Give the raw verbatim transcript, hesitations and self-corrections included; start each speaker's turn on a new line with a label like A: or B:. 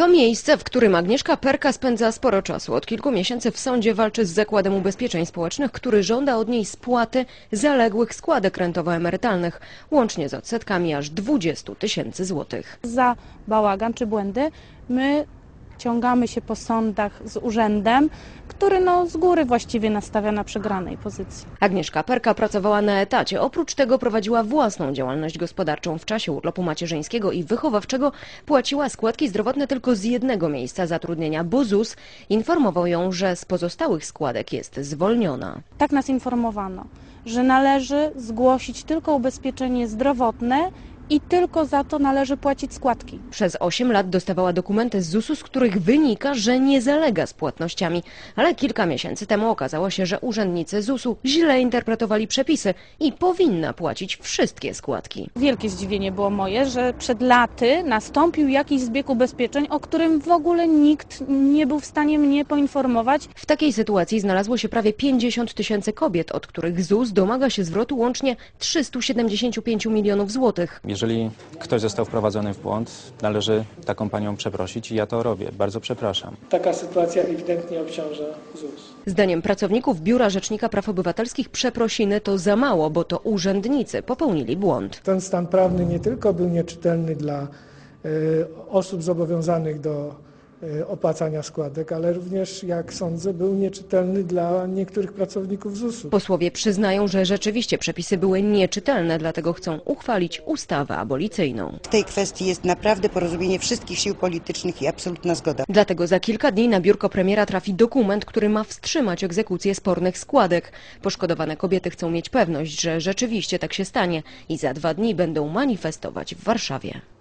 A: To miejsce, w którym Agnieszka Perka spędza sporo czasu. Od kilku miesięcy w sądzie walczy z Zakładem Ubezpieczeń Społecznych, który żąda od niej spłaty zaległych składek rentowo-emerytalnych, łącznie z odsetkami aż dwudziestu tysięcy złotych.
B: Za bałagan czy błędy my ciągamy się po sądach z urzędem, który no z góry właściwie nastawia na przegranej pozycji.
A: Agnieszka Perka pracowała na etacie. Oprócz tego prowadziła własną działalność gospodarczą. W czasie urlopu macierzyńskiego i wychowawczego płaciła składki zdrowotne tylko z jednego miejsca zatrudnienia, bo ZUS informował ją, że z pozostałych składek jest zwolniona.
B: Tak nas informowano, że należy zgłosić tylko ubezpieczenie zdrowotne i tylko za to należy płacić składki.
A: Przez osiem lat dostawała dokumenty z zusu, z których wynika, że nie zalega z płatnościami. Ale kilka miesięcy temu okazało się, że urzędnicy zusu źle interpretowali przepisy i powinna płacić wszystkie składki.
B: Wielkie zdziwienie było moje, że przed laty nastąpił jakiś zbieg ubezpieczeń, o którym w ogóle nikt nie był w stanie mnie poinformować.
A: W takiej sytuacji znalazło się prawie pięćdziesiąt tysięcy kobiet, od których ZUS domaga się zwrotu łącznie trzystu siedemdziesięciu pięciu milionów złotych.
C: Jeżeli ktoś został wprowadzony w błąd, należy taką panią przeprosić i ja to robię. Bardzo przepraszam.
D: Taka sytuacja ewidentnie obciąża ZUS.
A: Zdaniem pracowników Biura Rzecznika Praw Obywatelskich przeprosiny to za mało, bo to urzędnicy popełnili błąd.
D: Ten stan prawny nie tylko był nieczytelny dla y, osób zobowiązanych do y, opłacania składek, ale również, jak sądzę, był nieczytelny dla niektórych pracowników zusu.
A: Posłowie przyznają, że rzeczywiście przepisy były nieczytelne, dlatego chcą uchwalić ustawę abolicyjną.
E: W tej kwestii jest naprawdę porozumienie wszystkich sił politycznych i absolutna zgoda.
A: Dlatego za kilka dni na biurko premiera trafi dokument, który ma wstrzymać egzekucję spornych składek. Poszkodowane kobiety chcą mieć pewność, że rzeczywiście tak się stanie i za dwa dni będą manifestować w Warszawie.